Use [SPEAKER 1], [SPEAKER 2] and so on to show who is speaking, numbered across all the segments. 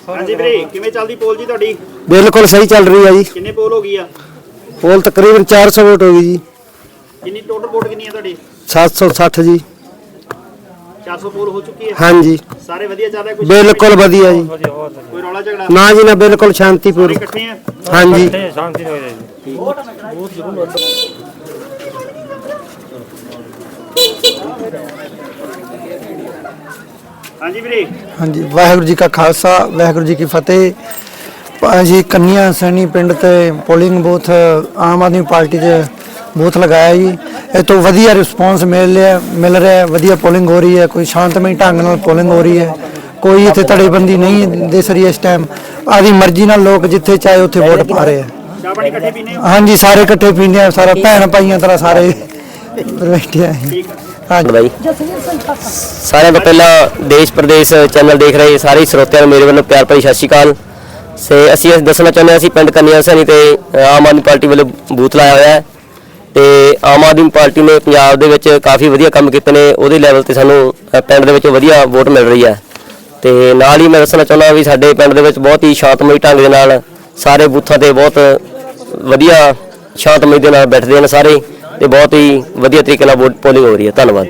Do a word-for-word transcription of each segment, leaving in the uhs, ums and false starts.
[SPEAKER 1] हाँ जी वीरे किवें चलदी पोल जी तुहाडी?
[SPEAKER 2] बिल्कुल सही चल रही है जी।
[SPEAKER 1] कितनी पोल हो गई आ?
[SPEAKER 2] पोल तकरीबन चार सौ वोट होगी जी।
[SPEAKER 1] कितनी टोटल वोट कितनी है तुहाडी?
[SPEAKER 2] सात सौ साठ जी।
[SPEAKER 1] चार सौ पोल हो चुकी है।
[SPEAKER 2] हाँ जी
[SPEAKER 1] सारे वधिया चल रहा है? कुछ
[SPEAKER 2] बिल्कुल वधिया जी।
[SPEAKER 1] कोई रौला झगड़ा
[SPEAKER 2] ना जी ना, बिल्कुल शांतिपूर्ण।
[SPEAKER 1] इकट्ठे हैं?
[SPEAKER 2] हाँ जी
[SPEAKER 3] शांति हो जाएगी।
[SPEAKER 1] हाँ जी वीरे
[SPEAKER 4] हाँ जी वाहिगुरू जी का खालसा वाहिगुरू जी की फतेह। जी कन्या सैनी पिंड ते पोलिंग बूथ आम आदमी पार्टी के बूथ लगाया जी। ये तो वधिया रिस्पॉन्स मिल रहा मिल रहा है, वधिया पोलिंग हो रही है, कोई शांतमई ढंग नाल पोलिंग हो रही है, कोई इत्थे धड़ेबंदी नहीं दिस रही इस टाइम। आदि मर्जी नाल लोग जिथे चाहे उत्थे वोट पा रहे हैं।
[SPEAKER 1] चाह पानी इकट्ठे पीने हो?
[SPEAKER 4] हाँ जी सारे इकट्ठे पींदे हैं, सारा भैन भाइयों तरह सारे बैठे हैं। हाँ जी
[SPEAKER 5] भाई सारे तो पहला देश प्रदेश चैनल देख रहे सारे ਸਰੋਤਿਆਂ ਨੂੰ ਮੇਰੇ ਵੱਲੋਂ ਪਿਆਰ ਭਰੀ ਸਤਿ ਸ਼੍ਰੀ ਅਕਾਲ। ਸੇ ਅਸੀਂ ਇਹ ਦੱਸਣਾ ਚਾਹੁੰਦੇ ਹਾਂ ਅਸੀਂ ਪਿੰਡ ਕੰਨਿਆ ਸੈਣੀ ਤੇ ਆਮ ਆਦਮੀ ਪਾਰਟੀ ਵੱਲੋਂ ਬੂਥ ਲਾਇਆ ਹੋਇਆ ਹੈ ਤੇ ਆਮ ਆਦਮੀ ਪਾਰਟੀ ਨੇ ਪੰਜਾਬ ਦੇ ਵਿੱਚ ਕਾਫੀ ਵਧੀਆ ਕੰਮ ਕੀਤੇ ਨੇ, ਉਹਦੇ ਲੈਵਲ ਤੇ ਸਾਨੂੰ ਪਿੰਡ ਦੇ ਵਿੱਚ ਵਧੀਆ ਵੋਟ ਮਿਲ ਰਹੀ ਹੈ। ਤੇ ਨਾਲ ਹੀ ਮੈਂ ਦੱਸਣਾ ਚਾਹੁੰਦਾ ਵੀ ਸਾਡੇ ਪਿੰਡ ਦੇ ਵਿੱਚ ਬਹੁਤ ਹੀ ਸ਼ਾਂਤਮਈ ਢੰਗ ਦੇ ਨਾਲ ਸਾਰੇ ਬੂਥਾਂ ਤੇ ਬਹੁਤ ਵਧੀਆ ਸ਼ਾਂਤਮਈ ਦੇ ਨਾਲ ਬੈਠਦੇ ਨੇ ਸਾਰੇ ਤੇ बहुत ही वधिया तरीके नाल वोट पोलिंग हो रही है। धन्यवाद।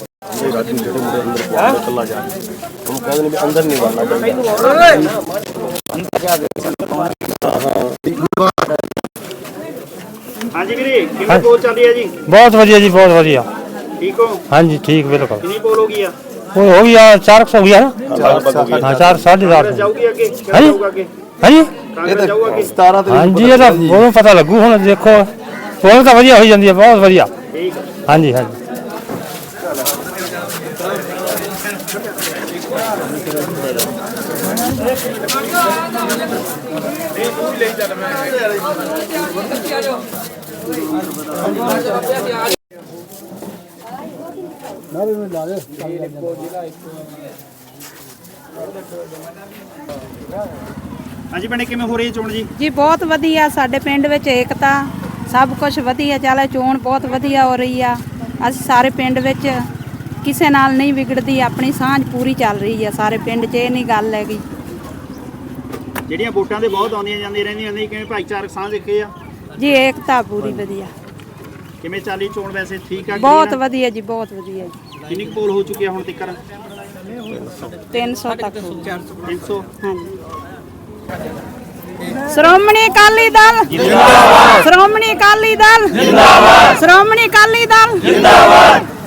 [SPEAKER 1] हाँ जी वीरे किवें पोल चल रही है जी?
[SPEAKER 3] बहुत वधिया जी, बहुत वधिया।
[SPEAKER 1] ठीक हो?
[SPEAKER 3] हाँ जी ठीक बिल्कुल।
[SPEAKER 1] कितनी पोल हो गई है?
[SPEAKER 3] वो हो गया चार सौ हो गया ना। हाँ चार साढ़े चार सौ।
[SPEAKER 1] जाऊगी आगे?
[SPEAKER 3] हाँ जी
[SPEAKER 1] जाऊगा आगे?
[SPEAKER 3] हाँ जी
[SPEAKER 1] कांग्रेस जाऊगा आगे?
[SPEAKER 3] हाँ जी ये तो वो पता लगू हुण देखो पोल तो वधिया हो जाती है, बहुत वधिया।
[SPEAKER 1] ठीक है।
[SPEAKER 3] हाँ जी हाँ जी
[SPEAKER 1] हाँ जी भैणे किवें हो रही है चोण जी?
[SPEAKER 6] जी बहुत वधिया साडे पिंड विच एकता सब कुछ वधिया चले, चोण बहुत वधिया हो रही आ। असीं सारे पिंड विच किसे नाल नहीं विगड़दी, अपनी सांझ पूरी चल रही है सारे पिंड च। ये नहीं गल हैगी
[SPEAKER 1] ਜਿਹੜੀਆਂ ਵੋਟਾਂ ਦੇ ਬਹੁਤ ਆਉਂਦੀਆਂ ਜਾਂਦੀਆਂ ਰਹਿੰਦੀਆਂ ਨੇ, ਕਿਵੇਂ ਭਾਈਚਾਰਕ ਸਾਂਝ ਰੱਖੇ ਆ?
[SPEAKER 6] जी एकता पूरी वधिया,
[SPEAKER 1] ਕਿਵੇਂ ਚੱਲੀ ਚੋਣ ਵੈਸੇ ਠੀਕ ਆ?
[SPEAKER 6] बहुत वधिया जी, बहुत वधिया जी।
[SPEAKER 1] ਕਿੰਨੀ ਕੁ ਪੋਲ ਹੋ ਚੁੱਕੀ ਆ ਹੁਣ ਤੱਕ?
[SPEAKER 6] तीन सौ तक हो गया।
[SPEAKER 1] तीन सौ।
[SPEAKER 6] हाँ जी श्रोमणी अकाली दल जिंदाबाद, श्रोमणी अकाली दल जिंदाबाद, श्रोमणी अकाली दल जिंदाबाद।